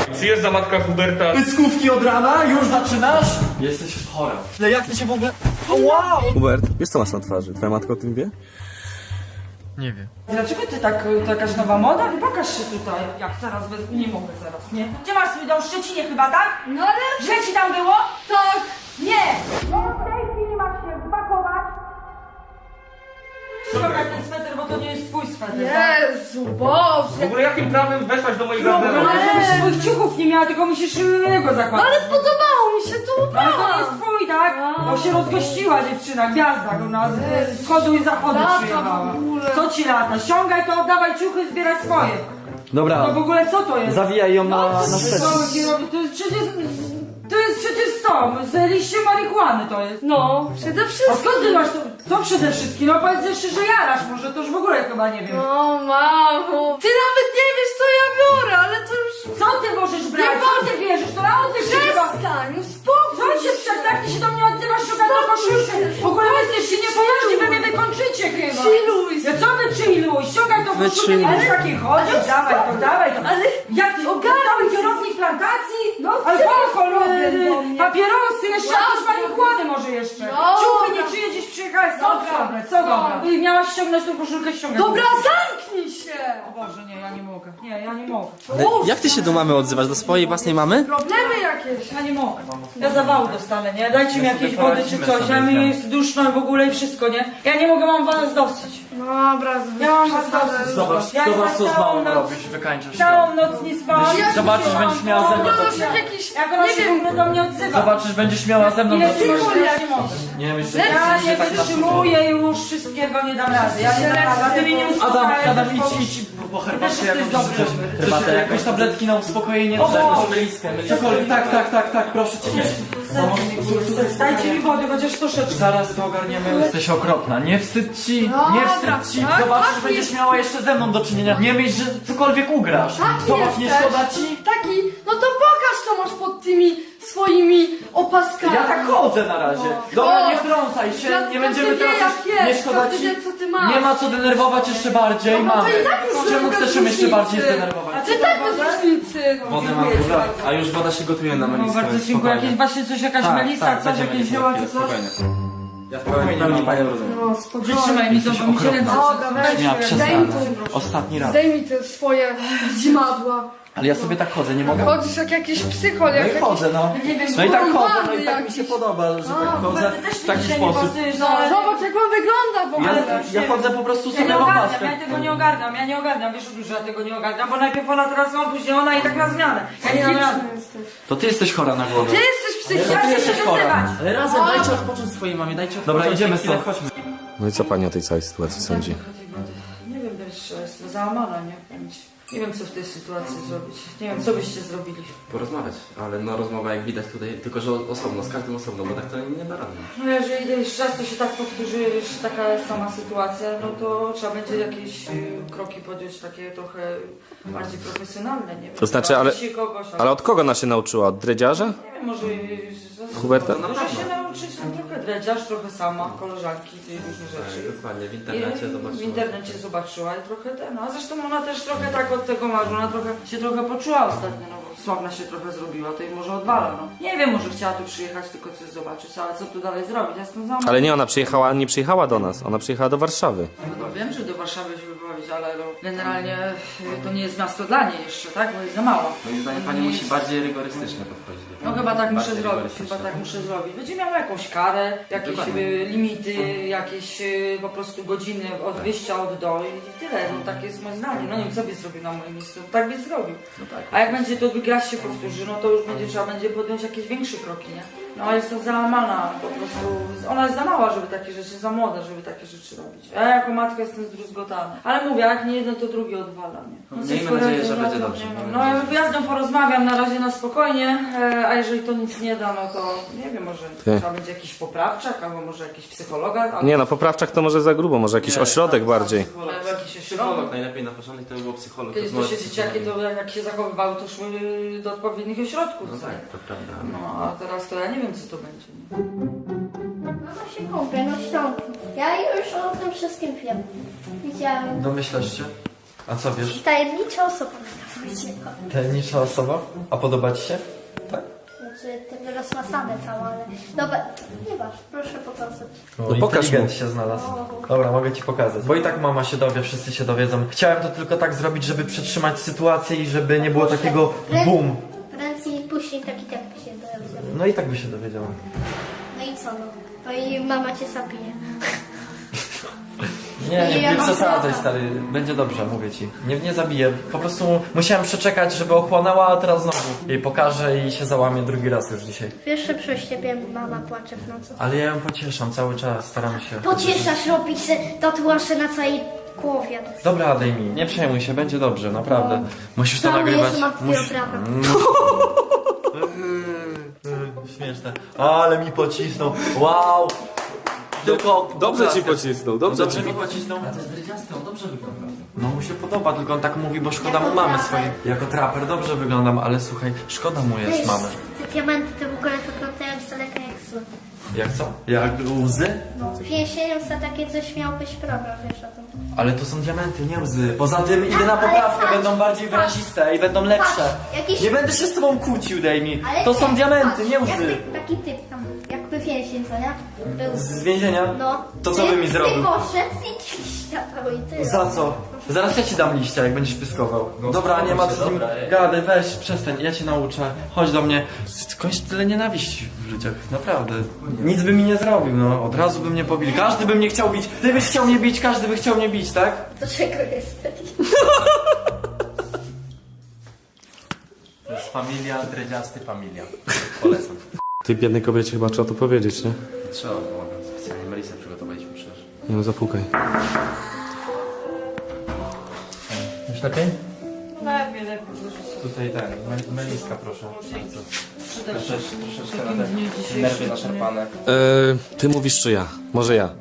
Przyjeżdża matka Huberta. Pyskówki od rana? Już zaczynasz? Jesteś chora. Ale jak ty się w ogóle... O, wow! Hubert, wiesz co masz na twarzy? Twoja matka o tym wie? Nie wiem. Dlaczego ty tak, to jakaś nowa moda? Pokaż się tutaj. Jak zaraz wezmę, nie mogę zaraz, nie? Gdzie masz swój dom? W Szczecinie chyba, tak? No ale... Źle ci tam było? Tak! Nie! No w tej chwili masz się spakować. Ściągaj ten sweter, bo to nie jest twój sweter, tak? Jezu, Boże! W ogóle jakim prawem weszłaś do mojego No, garderobu? ale żebyś swoich ciuchów nie miała, tylko musisz innego No zakładać. ale podobało mi się to Ale to nie ubrałam! jest twój, tak? Bo się rozgościła dziewczyna, gwiazda u nas z wschodu i zachodu Lata przyjechała. w ogóle. Co ci lata? Ściągaj to, oddawaj ciuchy, zbieraj swoje. Dobra, No w ogóle co to jest? zawijaj ją na Co szpecę. ci robi? To jest przecież to, z liście marihuany to jest. No, przede A wszystkim. skąd ty masz to? Co przede wszystkim? No powiedz jeszcze, że jarasz, może to już w ogóle chyba nie wiem. No, mamo. Ty nawet nie wiesz, co ja biorę, ale to już... Co ty możesz brać? Co ty bierzesz? To na oddech się chyba... Przestań, Co uspokój się przestań? Ty się do mnie odzywasz, szukam do koszulkę. W ogóle wy jesteście niepoważni, wy mnie wykończycie chyba. Chilluj. Ja co wy chilluj? Ściągaj tą koszulkę, nie będziesz takiej chodzić. Dawaj to, dawaj to. Ale... Jak ty? Cały kierownik plantacji? No, Alkohol, ty do mnie. papierosy, jeszcze jakieś marihuany może jeszcze. No. Ciuchy nie czyje gdzieś przyjechałeś, co Dobra. dobre, co dobre. I miałaś ściągnąć tą koszulkę, ściągać. Dobra, zamknij się! O Boże, nie, ja nie mogę. Nie, ja nie mogę. Jak ty się do mamy odzywasz? Do swojej własnej mamy? Problemy jakieś. Ja nie mogę. Ja zawału dostanę, nie? Dajcie mi jakieś wody czy coś. Ja mi jest duszno w ogóle i wszystko, nie? Ja nie mogę, mam was dosyć. Dobra, Ja mam was dosyć. Zobacz, Ja zobacz co z całą mamą noc- robisz, wykańczasz się. Całą noc nie spałam. Zobaczysz, będziesz miała ze mną do Możesz czynienia. jakiś... Jak ona Nie się w wiem, ogóle do mnie odzywa. Zobaczysz, będziesz miała ze mną do Ile czynienia. tylko ja nie mogę. Nie myśl, że Ja nie tak na wytrzymuję już wszystkiego, nie dam rady. Ja nie dam rady. A ty mnie nie uspokajesz. Adam, bo- idź po Też herbatkę jesteś jakąś dobry. coś. Herbatę, jakieś tabletki na uspokojenie, O Boże. meliskę. Cokolwiek, tak, proszę cię. Dajcie mi wody, chociaż troszeczkę. Zaraz to ogarniemy. Jesteś okropna, nie wstyd ci, nie Dobra, wstyd ci. tak, Zobaczysz, tak, będziesz jest. miała jeszcze ze mną do czynienia. Nie myśl, że cokolwiek ugrasz. Taki Zobacz, nie jesteś. szkoda ci? Taki, no to pokaż, co masz pod tymi swoimi opaskami. Ja tak chodzę na razie. No. Dobra, O, nie wtrącaj się, każdy nie będziemy wie, teraz jak już, nie jest, szkoda każdy ci. wie, co ty masz. Nie ma co denerwować jeszcze bardziej, No to mamy. i tak już Czemu robię chcesz ją jeszcze różnicy. bardziej zdenerwować? Ty tak bez różnicy. Wodę mam, a już woda się gotuje na No meliskę. bardzo dziękuję. Jakieś właśnie coś, jakaś melisa, coś, jakieś zioła czy coś. Ja w pełni panią rozumiem. No, spokojnie. Wytrzymaj mi to, bo mi się ręce Dobra, weź, Ja daj mi przestań. tu, Ostatni raz. zdejmij te swoje dzimadła. Ale ja sobie tak chodzę, nie mogę? Chodzisz jak jakiś psychol, No jak i jakiś... chodzę, no. nie wiem, No i tak chodzę, no porąbany i tak mi się jakiś. podoba, że tak chodzę Też w taki się nie sposób. pasujesz, No, zobacz jak on wygląda w ogóle. Ja chodzę po prostu Ja sobie nie w ogarniam, opaskę. ja tego nie ogarniam, wiesz że ja tego nie ogarniam, bo najpierw ona, teraz on, później ona i tak na zmianę. Ja nie dam rady. Psychiczny jesteś. To ty jesteś chora na głowę. Ty jesteś psychiczny. Ja się jesteś chcę chora. wyzywać. Ale razem dajcie odpocząć swojej mamie, dajcie odpocząć. Dobra, idziemy chwilę, stąd. chodźmy. No i co pani o tej całej sytuacji sądzi? Nie wiem, wiesz, jestem załamana, nie? Nie wiem, co w tej sytuacji zrobić. Nie wiem, co byście zrobili. Porozmawiać, ale no rozmowa jak widać tutaj, tylko że osobno, z każdym osobno, bo tak to nie da rady. No jeżeli jeszcze raz to się tak powtórzy, jeszcze taka sama sytuacja, no to trzeba będzie jakieś kroki podjąć takie trochę bardziej profesjonalne, nie wiem. To znaczy, ale- Się kogoś, Ale od kogo ona się nauczyła? Od dredziarza? Nie wiem, może... Huberta? Może się nauczyć, no trochę dredziarz, trochę sama, koleżanki, tej różne rzeczy. Dokładnie, w W internecie zobaczyła i trochę no a zresztą ona też trochę tak od tego marzy, ona się trochę poczuła ostatnio, no bo sławna się trochę zrobiła, to jej może odwala, no. Nie wiem, może chciała tu przyjechać tylko coś zobaczyć, ale co tu dalej zrobić, ja jestem załamana. Ale nie, ona nie przyjechała do nas, ona przyjechała do Warszawy. No wiem, że do Warszawy się wyprowadzić, ale no, generalnie to nie jest miasto dla niej jeszcze, tak? Bo jest za mała. Moim zdaniem pani Nie musi jest- bardziej rygorystycznie podchodzić do No tego. chyba tak muszę Bardziej zrobić, rygorystyczne. chyba tak muszę zrobić. Będzie miała jakąś karę, jakieś Dokładnie. limity, jakieś po prostu godziny od wyjścia od do i tyle. No tak jest moje zdanie. No nie wiem, co by zrobił na moim miejscu. Tak by zrobił. No tak. A jak będzie to raz się powtórzy, no to już trzeba będzie podjąć jakieś większe kroki, nie? No ale jestem załamana, po prostu ona jest za mała, żeby takie rzeczy, za młoda, żeby takie rzeczy robić. Ja jako matka jestem zdruzgotana. Ale mówię, jak nie jedno, to drugie odwala, nie? No, Miejmy coś nadzieję, poradzę, że no będzie to dobrze. nie wiem. Miejmy No ja z nią porozmawiam na razie na spokojnie, a jeżeli to nic nie da, no to nie wiem, może trzeba będzie jakiś poprawczak, albo może jakiś psychologa, albo Nie no, poprawczak to może za grubo, może jakiś ośrodek bardziej. albo jakiś Psycholog, ośrodek. najlepiej na początek to by był psycholog. Kiedyś to rozmowa się z dzieciaki, psychologiem. to jak się zachowywały, to szły do odpowiednich ośrodków. No co? tak, to prawda. No a teraz to ja nie wiem, co to będzie. Nie? Mama się kąpie, no ściągnij. Ja już o tym wszystkim wiem. Widziałem. Domyślasz się? A co wiesz? Tajemnicza osoba mi powiedziała. Tajemnicza osoba? A podoba ci się? Tak? Znaczy, ten rozmasane całe, ale... Dobra, nie masz, proszę pokazać. No pokaż inteligent mu. się znalazł. Dobra, mogę ci pokazać. Bo i tak mama się dowie, wszyscy się dowiedzą. Chciałem to tylko tak zrobić, żeby przetrzymać sytuację i żeby nie było takiego boom. Prędzej później taki tak by się dowiedział. No i tak by się dowiedziała. No i co no? To i mama cię zabije. Nie przesadzaj, stary. Będzie dobrze, mówię ci. Nie zabiję. Po prostu musiałem przeczekać, żeby ochłonęła, a teraz znowu jej pokażę i się załamie drugi raz już dzisiaj. Wiesz, że przez ciebie mama płacze w nocy. Ale ja ją pocieszam cały czas, staram się. Pocieszasz, robić se tatuaże na całej głowie. Dobra, daj mi. Nie przejmuj się, będzie dobrze, naprawdę. Musisz to Żałuję, nagrywać. że mam dopiero prawo. Śmieszne. Ale mi pocisnął. Wow. Tylko Dobrze ci pocisnął, dobrze ci mi pocisnął. A to jest drydziasty, on dobrze wygląda. No mu się podoba, tylko on tak mówi, bo szkoda mu mamy swojej. Jako traper dobrze wyglądam, ale słuchaj, szkoda mu jest mamy. Te diamenty to w ogóle wyglądają z daleka jak zły. Jak co? Jak łzy? No, więzieniem za takie coś miał być problem, wiesz o tym. Ale to są diamenty, nie łzy. Poza tym idę na Ale poprawkę, patrz, będą bardziej patrz. wyraziste i będą lepsze. Patrz, jakieś- Nie będę się z tobą kłócił, daj mi. Ale To są nie, diamenty, patrz, nie łzy. Jakby taki typ tam, jakby więzień, co nie? Był. Z więzienia? No. To co by mi zrobił? Ty poszedł i światło i tyle. Za co? Zaraz ja ci dam liścia, jak będziesz pyskował. Dobra, nie ma co z nim gadaj, weź, przestań, ja cię nauczę. Chodź do mnie. Skądś tyle nienawiści w ludziach, naprawdę. Nic by mi nie zrobił, no. Od razu by mnie pobił. Każdy by mnie chciał bić. Ty byś chciał mnie bić, każdy by chciał mnie bić, tak? Do czego jesteś? To jest familia, dredziasty familia. Polecam. Tej biednej kobiecie chyba trzeba to powiedzieć, nie? Trzeba było. Specjalnie Melisę przygotowaliśmy przecież. Nie no, zapukaj. Już lepiej? Lepiej, lepiej. Tutaj ten, Meliska proszę. Przyda się. Troszeczkę W takim na te dniu dzisiejszym, nerwy czy nie? naszarpane. Ty mówisz czy ja? Może ja.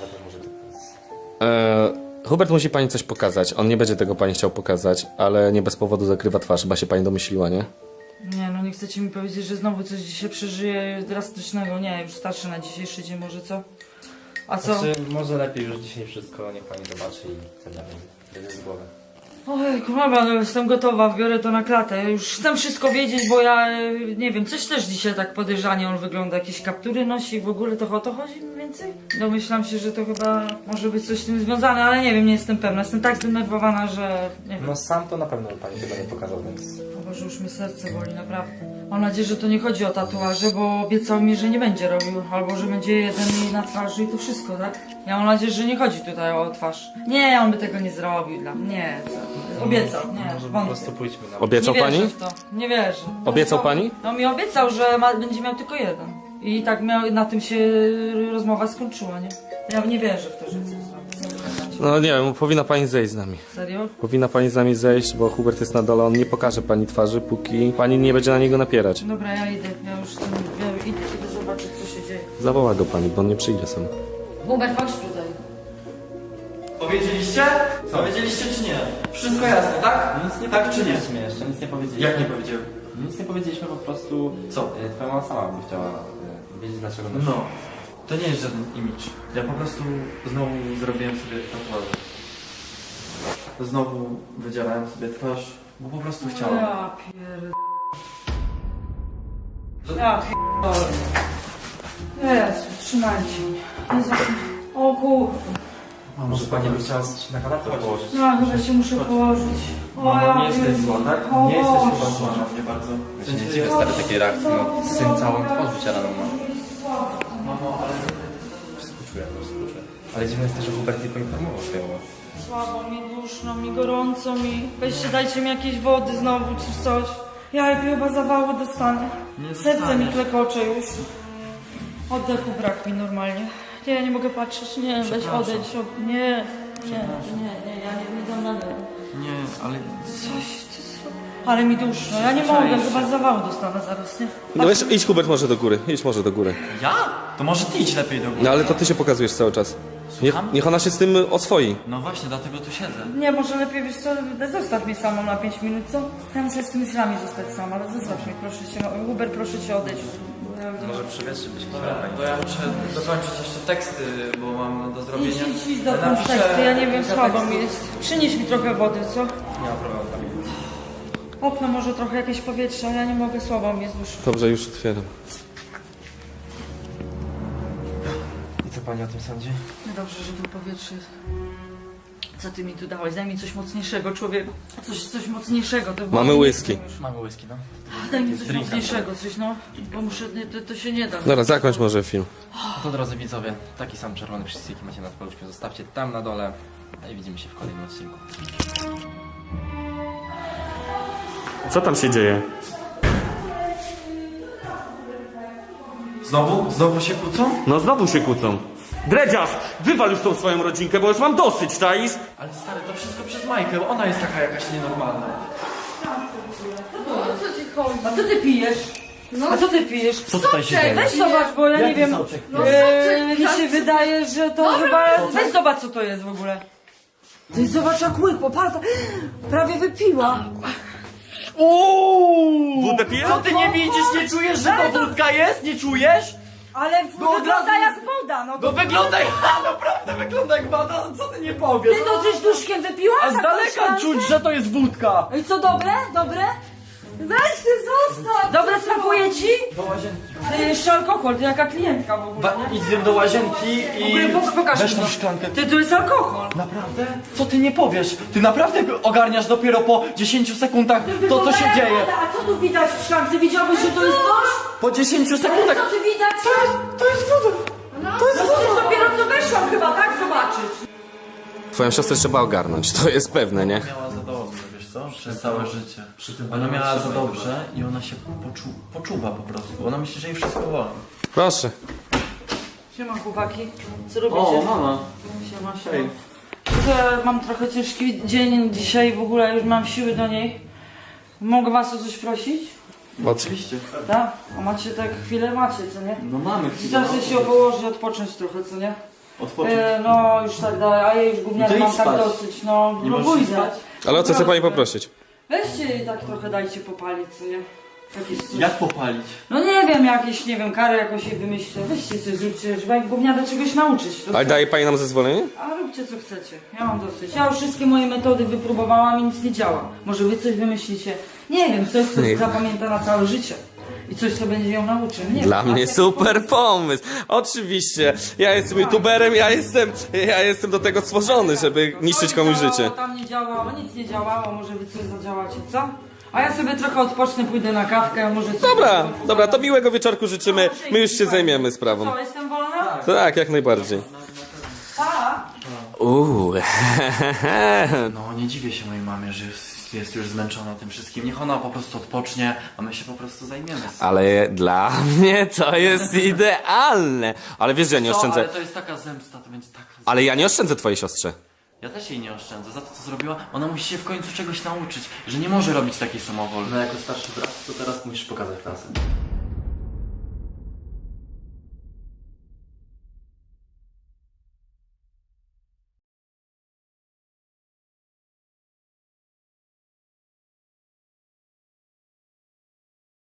Hubert musi pani coś pokazać. On nie będzie tego pani chciał pokazać, ale nie bez powodu zakrywa twarz. Chyba się pani domyśliła, nie? Nie, no nie chcecie mi powiedzieć, że znowu coś dzisiaj przeżyje drastycznego. Nie, już starszy na dzisiejszy dzień może, co? A co? Znaczy, może lepiej już dzisiaj wszystko, niech pani zobaczy i wtedy będzie z głowy. Ojku, mama, no jestem gotowa, biorę to na klatę. Już chcę wszystko wiedzieć, bo ja, nie wiem, coś też dzisiaj tak podejrzanie on wygląda. Jakieś kaptury nosi i w ogóle to o to chodzi mniej więcej? Domyślam się, że to chyba może być coś z tym związane, ale nie wiem, nie jestem pewna. Jestem tak zdenerwowana, że nie wiem. No sam to na pewno pani tego nie pokazał, więc... O Boże, już mnie serce boli, naprawdę. Mam nadzieję, że to nie chodzi o tatuaże, bo obiecał mi, że nie będzie robił. Albo, że będzie jeden mi na twarzy i to wszystko, tak? Ja mam nadzieję, że nie chodzi tutaj o twarz. Nie, on by tego nie zrobił dla mnie. Nie, co? Obiecał, nie, Może po wątpię. prostu pójdźmy na... Obiecał Nie wierzę pani? w to. Nie wierzę. Obiecał pani? No mi obiecał, że będzie miał tylko jeden. I tak na tym się rozmowa skończyła, nie? Ja nie wierzę w to, że coś zrobi. No nie wiem, powinna pani zejść z nami. Serio? Powinna pani z nami zejść, bo Hubert jest na dole, on nie pokaże pani twarzy, póki pani nie będzie na niego napierać. Dobra, ja idę. Ja idę zobaczyć, co się dzieje. Zawoła go pani, bo on nie przyjdzie sam. Hubert, chodź tutaj. Powiedzieliście? Powiedzieliście czy nie? Wszystko jasne, tak? Nic nie Tak czy nie? powiedzieliśmy jeszcze, nic nie powiedzieliśmy. Jak nie powiedziałem? Nic nie powiedzieliśmy, po prostu... Co? Twoja mama sama by chciała wiedzieć, dlaczego nosi. No, to nie jest żaden imidż. Ja po prostu znowu zrobiłem sobie tatuaże. Znowu wydzierałem sobie twarz, bo po prostu chciałem. Ja pierdolę. Ja pierdolę. Jezu, trzymajcie mnie. Jezu. O kurwa. Może pani by chciała się na kanapę położyć? No, chyba się muszę położyć. O, Mamo, ja nie jesteś pierdolę. zła, tak? O Nie jesteś Boże. chyba zła na mnie bardzo. Ja się nie dziwię stary takiej reakcji, no syn całą twarz wycieraną ma. Mamo, ale... Współczuję, no współczuję. Ale dziwne jest też, że Hubert nie poinformował swojego. Słabo mi, duszno mi, gorąco mi. Weźcie, dajcie mi jakieś wody znowu, czy coś. Ja chyba zawału dostanę. Nie Serce mi dostaniesz. klekocze już. Oddechu brak mi normalnie. Nie, ja nie mogę patrzeć, nie, weź odejdź. Nie, ja nie dam rady. Nie, ale... Coś ty zrobił. Ale mi duszno, ja nie mogę, chyba zawału dostanę zaraz, nie? No idź Hubert może do góry, idź może do góry. Ja? To może ty idź lepiej do góry. No ale to ty się pokazujesz cały czas. Niech ona się z tym oswoi. No właśnie, dlatego tu siedzę. Nie, może lepiej, wiesz co, zostaw mnie samą na 5 minut, co? Ja muszę z tymi myślami zostać sama, ale zostaw mnie, proszę cię. Hubert, proszę cię, odejdź. Może przewietrzyć Dobra, to ja muszę dokończyć jeszcze teksty, bo mam do zrobienia. Idź do teksty, ja nie wiem, słabo mi jest. Przynieś mi trochę wody, co? Nie ma problemu. Okno może trochę jakieś powietrze, ale ja nie mogę, słabo mi jest już. Dobrze, już otwieram. I co pani o tym sądzi? No dobrze, że tu powietrze jest. Co ty mi tu dałeś? Daj mi coś mocniejszego, człowieku. Coś mocniejszego. To Mamy whisky. Mamy whisky, no. Daj mi coś mocniejszego, coś no. Bo muszę, to się nie da. Dobra, zakończ może film. No to drodzy widzowie, taki sam czerwony przycisk jaki macie nad paluszkiem zostawcie tam na dole. No i widzimy się w kolejnym odcinku. Co tam się dzieje? Znowu się kłócą? No znowu się kłócą. Dredziarz, wywal już tą swoją rodzinkę, bo już mam dosyć, czaisz? Ale stary, to wszystko przez Majkę, ona jest taka jakaś nienormalna. O co ci chodzi? A co ty pijesz? A co ty pijesz? Co tutaj się dzieje? Weź zobacz, bo ja nie wiem. soczek? Mi się wydaje, że to chyba... Weź zobacz, co to jest w ogóle. Ty zobacz, jak łyk, poparta. Prawie wypiła. Wódę pijesz? Co ty nie widzisz, nie czujesz, że to wódka jest? Nie czujesz? Ale No od wygląda razu- jak woda, no No to... wygląda jak, naprawdę wygląda jak woda, no co ty nie powiesz? Ty to coś duszkiem wypiła? A z daleka czuć, że to jest wódka! I co, dobre? Dobre? Weź ty zostaw! Dobre smakuje ci? Do łazienki. Ty jeszcze alkohol, ty jaka klientka w ogóle. Idź z nim do łazienki W ogóle i... pokaż Weź mi tą to. szklankę. Ty, tu jest alkohol. Naprawdę? Co ty nie powiesz? Ty naprawdę ogarniasz dopiero po 10 sekundach to, co się dzieje. A co tu widać w szklance? Widziałbyś, że to jest coś? Po 10 sekundach... Co tu widać? To jest woda! To jest przecież dopiero co weszłam chyba, tak? Zobaczyć. Twoją siostrę trzeba ogarnąć, to jest pewne, nie? Miała za dobrze, wiesz co? Przez całe życie. Ona miała za dobrze i ona się poczuwa po prostu. Ona myśli, że jej wszystko wolno. Proszę. Siema chłopaki, co robicie? mama. Siema, siema. Mam trochę ciężki dzień dzisiaj, w ogóle już mam siły do niej. Mogę was o coś prosić? Oczywiście. Tak? A macie tak chwilę? Macie, co nie? No mamy chwilę. Chcę się położyć, odpocząć trochę, co nie? Odpocząć. No już tak dalej, a ja już gówniany No to mam idź tak spać. dosyć, no. Nie No możesz pójdę. spać? Ale o co chce pani poprosić? Weźcie i tak trochę dajcie popalić, co nie? Jakieś coś. Jak popalić? No nie wiem, jakieś, nie wiem, kary jakoś jej wymyślę. Weźcie coś, zróbcie, żeby jak gówniana czegoś nauczyć. To Ale daje pani nam zezwolenie? A róbcie co chcecie, ja mam dosyć. Ja już wszystkie moje metody wypróbowałam i nic nie działa. Może wy coś wymyślicie? Nie wiem, coś co Nie. zapamięta na całe życie. I coś co będzie ją nauczył. Nie Dla wiem, mnie a tak super pomysł. Oczywiście. Ja jestem youtuberem, ja jestem do tego stworzony, żeby niszczyć komuś działało, życie. Tam nie działało, nic nie działało, może wy coś zadziałacie, co? A ja sobie trochę odpocznę, pójdę na kawkę, może coś... Dobra, to miłego wieczorku życzymy. My już się zajmiemy sprawą. Co, jestem wolna? Tak, jak najbardziej. Tak. No nie dziwię się mojej mamie, że jest już zmęczona tym wszystkim. Niech ona po prostu odpocznie, a my się po prostu zajmiemy. Ale dla mnie to jest idealne. Ale wiesz, że ja nie oszczędzę. Ale to jest taka zemsta, to będzie tak... Ale ja nie oszczędzę twojej siostrze. Ja też jej nie oszczędzę. Za to, co zrobiła, ona musi się w końcu czegoś nauczyć, że nie może robić takiej samowoli. No jako starszy brat, to teraz musisz pokazać klasę.